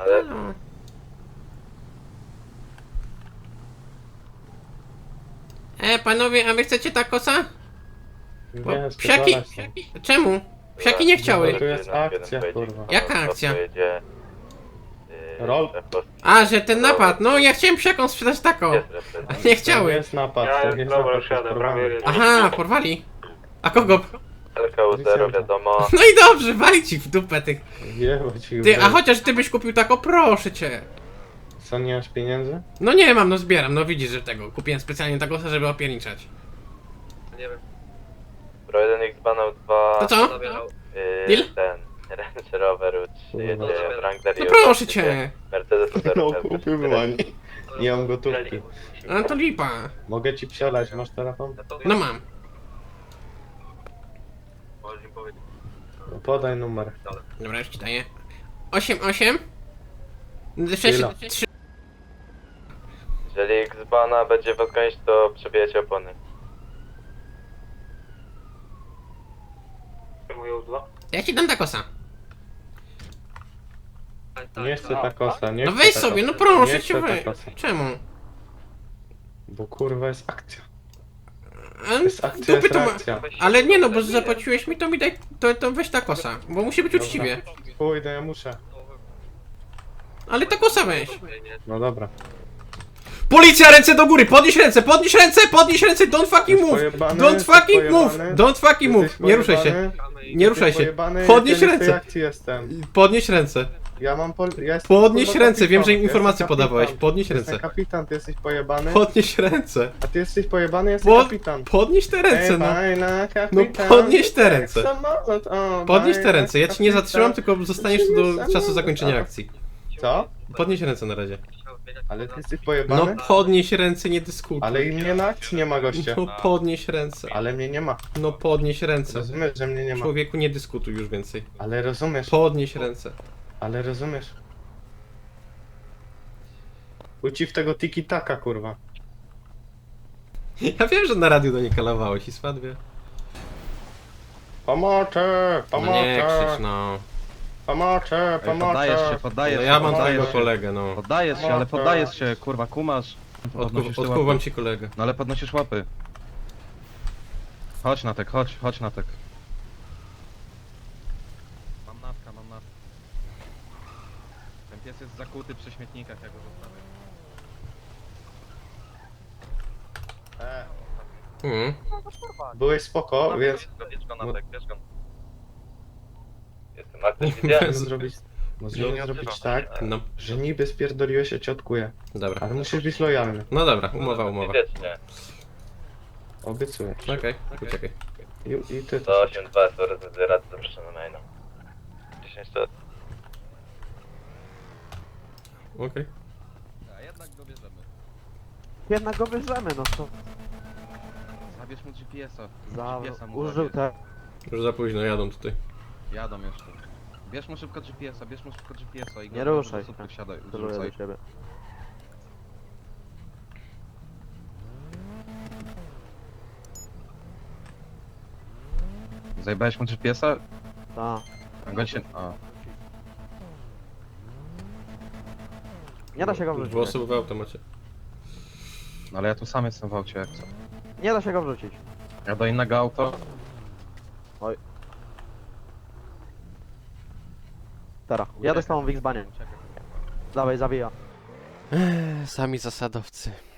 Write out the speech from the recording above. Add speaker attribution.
Speaker 1: Ale...
Speaker 2: Halo. Panowie, a wy chcecie takosa? Bo
Speaker 3: Nie,
Speaker 2: psiaki...
Speaker 3: spierdalać stąd.
Speaker 2: Czemu? Psiaki nie chciały.
Speaker 3: Tu jest akcja, kurwa.
Speaker 2: Jaka akcja?
Speaker 1: Pojedzie,
Speaker 3: Rol?
Speaker 2: A, że ten napad. No, ja chciałem psiakom sprzedać tako.
Speaker 1: Jest
Speaker 2: A
Speaker 1: reprezent.
Speaker 2: nie
Speaker 3: To nie
Speaker 2: chciały.
Speaker 3: jest napad,
Speaker 4: Ja
Speaker 3: to nie jest
Speaker 4: dobra,
Speaker 3: napad,
Speaker 4: już
Speaker 3: to jest
Speaker 4: jadę,
Speaker 3: porwanie.
Speaker 4: prawie.
Speaker 2: Aha, porwali. A kogo?
Speaker 1: LKU0 wiadomo.
Speaker 2: No i dobrze, wali ci w dupę tych.
Speaker 3: Jebać ich
Speaker 2: Ty,
Speaker 3: w
Speaker 2: a chociaż ty byś kupił tako, proszę cię.
Speaker 3: Co, nie masz pieniędzy?
Speaker 2: No nie mam, no zbieram, no widzisz, że tego. Kupiłem specjalnie takosa, żeby opierniczać.
Speaker 4: Nie wiem.
Speaker 1: Pro 1X banał 2.
Speaker 2: To co?
Speaker 4: Zabierał.
Speaker 2: Deal?
Speaker 1: Ten Range Rover jedzie
Speaker 3: Kurwa.
Speaker 1: Wrangler
Speaker 2: No
Speaker 1: i
Speaker 2: proszę cię.
Speaker 1: Mercedes
Speaker 3: No kupimy, ani. Nie mam gotówki.
Speaker 2: A to lipa.
Speaker 3: Mogę ci psiolać, masz telefon?
Speaker 2: No mam.
Speaker 4: Możesz im powiedzieć.
Speaker 3: No podaj numer.
Speaker 2: Dobra, już ci daję. 8, 6,
Speaker 3: Ile?
Speaker 2: 3.
Speaker 1: Jeżeli X bana będzie was gonić, to przebijecie opony.
Speaker 4: Moje udła.
Speaker 2: Ja ci dam takosa.
Speaker 3: Nie chcę takosa, nie
Speaker 2: No
Speaker 3: chcę
Speaker 2: weź
Speaker 3: takosa.
Speaker 2: sobie, no proszę
Speaker 3: Nie
Speaker 2: cię,
Speaker 3: chcę
Speaker 2: weź.
Speaker 3: takosa.
Speaker 2: Czemu?
Speaker 3: Bo kurwa jest akcja.
Speaker 2: A,
Speaker 3: Jest akcja,
Speaker 2: dupy
Speaker 3: jest
Speaker 2: to ma...
Speaker 3: reakcja.
Speaker 2: Ale nie no, bo zapłaciłeś mi, to mi daj, to weź takosa. Bo musi być uczciwie.
Speaker 3: Pójdę, ja muszę.
Speaker 2: Ale takosa weź.
Speaker 3: No dobra.
Speaker 2: Policja, ręce do góry, podnieś ręce, podnieś ręce, podnieś ręce, don't fucking
Speaker 3: Jesteś
Speaker 2: move.
Speaker 3: pojebany?
Speaker 2: Don't
Speaker 3: Jesteś
Speaker 2: fucking move,
Speaker 3: pojebany?
Speaker 2: don't fucking move.
Speaker 3: Jesteś
Speaker 2: Nie ruszaj się,
Speaker 3: pojebany?
Speaker 2: nie ruszaj
Speaker 3: Jesteś
Speaker 2: się.
Speaker 3: pojebany?
Speaker 2: Podnieś
Speaker 3: Ja nie w tej
Speaker 2: ręce.
Speaker 3: akcji jestem.
Speaker 2: Podnieś ręce.
Speaker 3: Ja mam ja jestem
Speaker 2: Podnieś
Speaker 3: kurwa
Speaker 2: ręce, wiem, że im
Speaker 3: kapitan.
Speaker 2: informacje
Speaker 3: Jestem
Speaker 2: podawałeś.
Speaker 3: kapitan.
Speaker 2: Podnieś
Speaker 3: Jestem
Speaker 2: ręce.
Speaker 3: kapitan, ty jesteś pojebany.
Speaker 2: Podnieś ręce.
Speaker 3: A ty jesteś pojebany, jesteś
Speaker 2: Pod,
Speaker 3: kapitan.
Speaker 2: podnieś te ręce, no.
Speaker 3: Fajna
Speaker 2: No
Speaker 3: kapitan.
Speaker 2: podnieś te ręce.
Speaker 3: Samolot, o,
Speaker 2: Podnieś te
Speaker 3: fajna
Speaker 2: ręce, ja ci nie
Speaker 3: kapitan.
Speaker 2: zatrzymam, tylko zostaniesz tu do czasu zakończenia akcji.
Speaker 3: Co?
Speaker 2: Podnieś ręce na razie.
Speaker 3: Ale ty jesteś pojebany?
Speaker 2: No podnieś ręce, nie dyskutuj.
Speaker 3: Ale i mnie na akcji nie ma, goście.
Speaker 2: No podnieś ręce.
Speaker 3: Ale mnie nie ma.
Speaker 2: No podnieś ręce.
Speaker 3: Rozumiesz, że mnie nie ma.
Speaker 2: Człowieku, nie dyskutuj już więcej.
Speaker 3: Ale rozumiesz,
Speaker 2: Podnieś ręce.
Speaker 3: ale rozumiesz. Uci w tego tiki-taka, kurwa.
Speaker 2: Ja wiem, że na radiu do niej kalawałeś i spadwie.
Speaker 3: Pomocy!
Speaker 2: No nie krzycz,
Speaker 3: Pomocy!
Speaker 2: no.
Speaker 3: Pomocy!
Speaker 5: Poddajesz się,
Speaker 3: Pomocy!
Speaker 5: poddajesz
Speaker 2: No
Speaker 5: się.
Speaker 2: ja mam
Speaker 5: poddajesz
Speaker 2: twojego
Speaker 5: się.
Speaker 2: kolegę, no.
Speaker 5: Poddajesz się, ale poddajesz się, kurwa, kumasz. Podnosisz te
Speaker 2: Odkuwam
Speaker 5: łapy.
Speaker 2: ci kolegę.
Speaker 5: No ale podnosisz łapy. Chodź Natek, chodź Natek. Mam natka, mam natka. Ten pies jest zakuty przy śmietnikach, jak go zostawię.
Speaker 3: Byłeś spoko, więc
Speaker 5: Bierz go Natek, bierz go.
Speaker 1: Jestem aktywny, widziałem.
Speaker 3: możemy zrobić tak,
Speaker 2: No,
Speaker 3: że niby spierdoliłeś, ja cię odkuję.
Speaker 2: dobra.
Speaker 3: Ale musisz być lojalny.
Speaker 2: No dobra, umowa.
Speaker 1: Wiecznie.
Speaker 3: Obiecuję.
Speaker 2: Okej, poczekaj.
Speaker 3: I ty też.
Speaker 1: 182 jest rezydent rady zapraszam na maina. 10 lat.
Speaker 2: Okej.
Speaker 5: A jednak go bierzemy.
Speaker 6: Jednak go bierzemy, no to
Speaker 5: Zabierz mu GPS-a.
Speaker 6: za...
Speaker 5: GPS-a mu
Speaker 6: użył
Speaker 5: zabierz.
Speaker 6: te...
Speaker 2: Już za późno, jadą tutaj.
Speaker 5: Jadą jeszcze. Bierz mu szybko GPS-a, bierz mu szybko GPS-a i go
Speaker 6: Nie
Speaker 5: do
Speaker 6: ruszaj
Speaker 5: supy
Speaker 6: się.
Speaker 5: wsiadaj,
Speaker 6: Celuję
Speaker 5: zrzucaj.
Speaker 6: do ciebie.
Speaker 5: Zajebałeś mu GPS-a?
Speaker 6: Ta.
Speaker 5: A go się... A.
Speaker 6: Nie da się go wrzucić.
Speaker 2: Dwa osoby w automacie.
Speaker 5: No ale ja tu sam jestem w aucie, jak co.
Speaker 6: Nie da się go wrzucić.
Speaker 5: Ja do innego auto.
Speaker 6: Teraz. Jadę z tobą w X-Banie. Dawaj, zawija.
Speaker 2: Sami zasadowcy.